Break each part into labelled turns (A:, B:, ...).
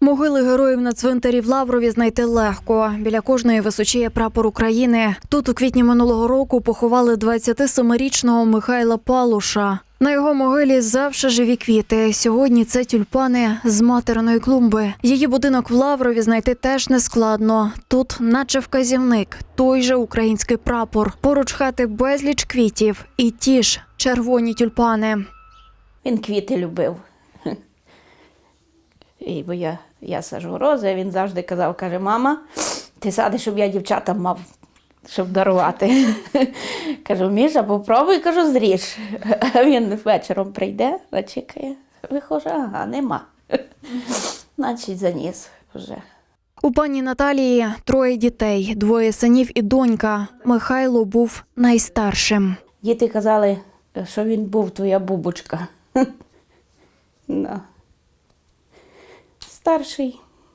A: Могили героїв на цвинтарі в Лаврові знайти легко. Біля кожної височіє прапор України. Тут у квітні минулого року поховали 27-річного Михайла Палуша. На його могилі завше живі квіти. Сьогодні це тюльпани з материної клумби. Її будинок в Лаврові знайти теж не складно. Тут наче вказівник, той же український прапор. Поруч хати безліч квітів і ті ж червоні тюльпани.
B: Він квіти любив. Бо я саджу рози, а він завжди казав, каже, мама, ти садиш, щоб я дівчатам мав, щоб дарувати. Кажу, Міша, попробуй, кажу, зріж. А він вечором прийде, зачекає, виходить, ага, нема. Значить, заніс вже.
A: У пані Наталії 3 дітей, 2 синів і донька. Михайло був найстаршим.
B: Діти казали, що він був твоя бубочка. Старший.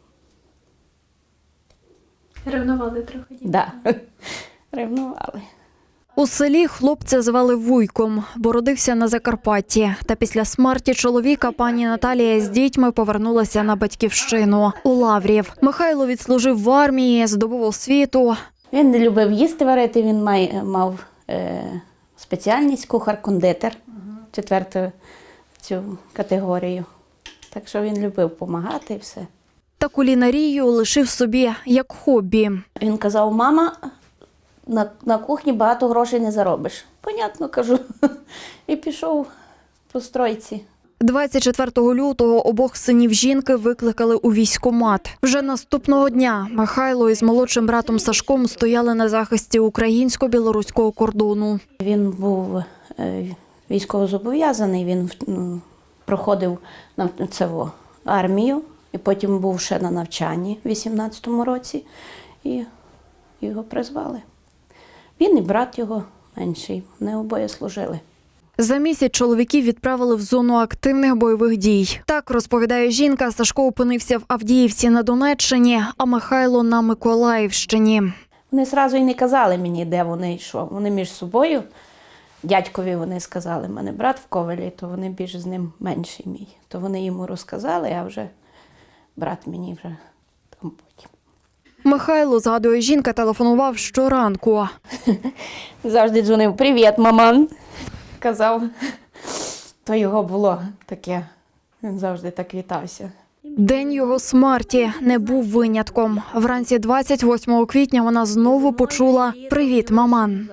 C: Ревнували трохи дітей?
B: Да. Ревнували.
A: У селі хлопця звали Вуйком, бо родився на Закарпатті. Та після смерті чоловіка пані Наталія з дітьми повернулася на батьківщину – у Лаврів. Михайло відслужив в армії, здобув освіту.
B: Він не любив їсти варити, він мав спеціальність кухар-кондитер, 4-ту цю категорію. Так що він любив допомагати і все.
A: Та кулінарію лишив собі як хобі.
B: Він казав, мама, на кухні багато грошей не заробиш. Понятно, кажу. І пішов по стройці.
A: 24 лютого обох синів жінки викликали у військкомат. Вже наступного дня Михайло із молодшим братом Сашком стояли на захисті українсько-білоруського кордону.
B: Він був військовозобов'язаний, він проходив армію, і потім був ще на навчанні в 18-му році, і його призвали. Він і брат його менший, вони обоє служили.
A: За місяць чоловіків відправили в зону активних бойових дій. Так, розповідає жінка, Сашко опинився в Авдіївці на Донеччині, а Михайло на Миколаївщині.
B: Вони одразу й не казали мені, де вони і що. Вони між собою, дядькові вони сказали, в мене брат в Ковелі, то вони більш з ним менший мій. То вони йому розказали, а вже брат мені вже там потім.
A: Михайло, згадує жінка, телефонував щоранку.
B: Завжди дзвонив, привіт, маман, казав. То його було таке, він завжди так вітався.
A: День його смерті не був винятком. Вранці 28 квітня вона знову почула «Привіт, маман».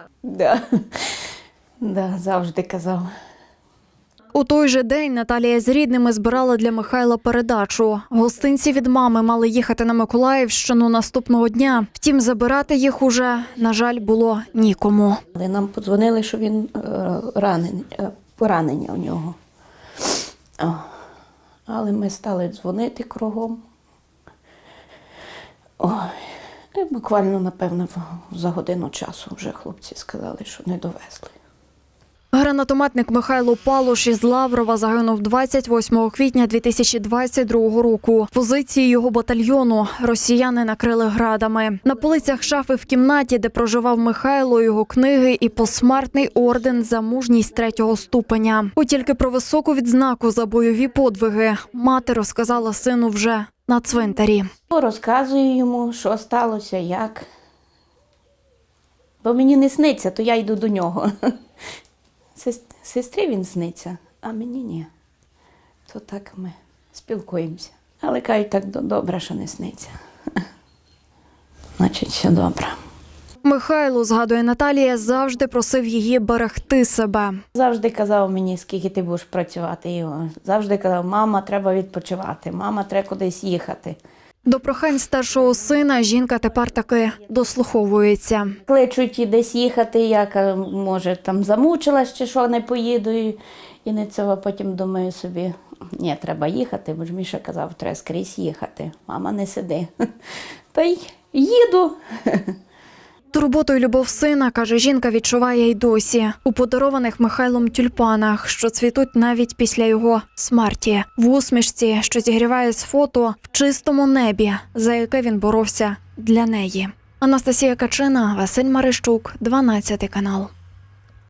B: Да, завжди казав.
A: У той же день Наталія з рідними збирала для Михайла передачу. Гостинці від мами мали їхати на Миколаївщину наступного дня. Втім, забирати їх уже, на жаль, було нікому.
B: Але нам подзвонили, що він поранення у нього. Але ми стали дзвонити кругом. І буквально, напевно, за годину часу вже хлопці сказали, що не довезли.
A: Гранатометник Михайло Палуш із Лаврова загинув 28 квітня 2022 року. Позиції його батальйону росіяни накрили градами. На полицях шафи в кімнаті, де проживав Михайло, його книги і посмертний орден за мужність 3-го ступеня. От тільки про високу відзнаку за бойові подвиги мати розказала сину вже на цвинтарі.
B: Розказую йому, що сталося, як. Бо мені не сниться, то я йду до нього. Сестрі він сниться, а мені ні. То так ми спілкуємося. Але кажуть, так добре, що не сниться. Значить, все добре.
A: Михайло, згадує Наталія, завжди просив її берегти себе.
B: Завжди казав мені, скільки ти будеш працювати. Завжди казав, мама, треба відпочивати, мама, треба кудись їхати.
A: До прохань старшого сина жінка тепер таки дослуховується.
B: Кличуть і десь їхати, я, може, там замучилась чи що, не поїду. І не цього потім думаю собі, ні, треба їхати, бо ж Міша казав, треба скрізь їхати. Мама, не сиди. Та й їду.
A: Турботу й любов сина, каже жінка, відчуває й досі. У подарованих Михайлом тюльпанах, що цвітуть навіть після його смерті. В усмішці, що зігріває з фото, в чистому небі, за яке він боровся для неї. Анастасія Качина, Василь Марищук, 12 канал.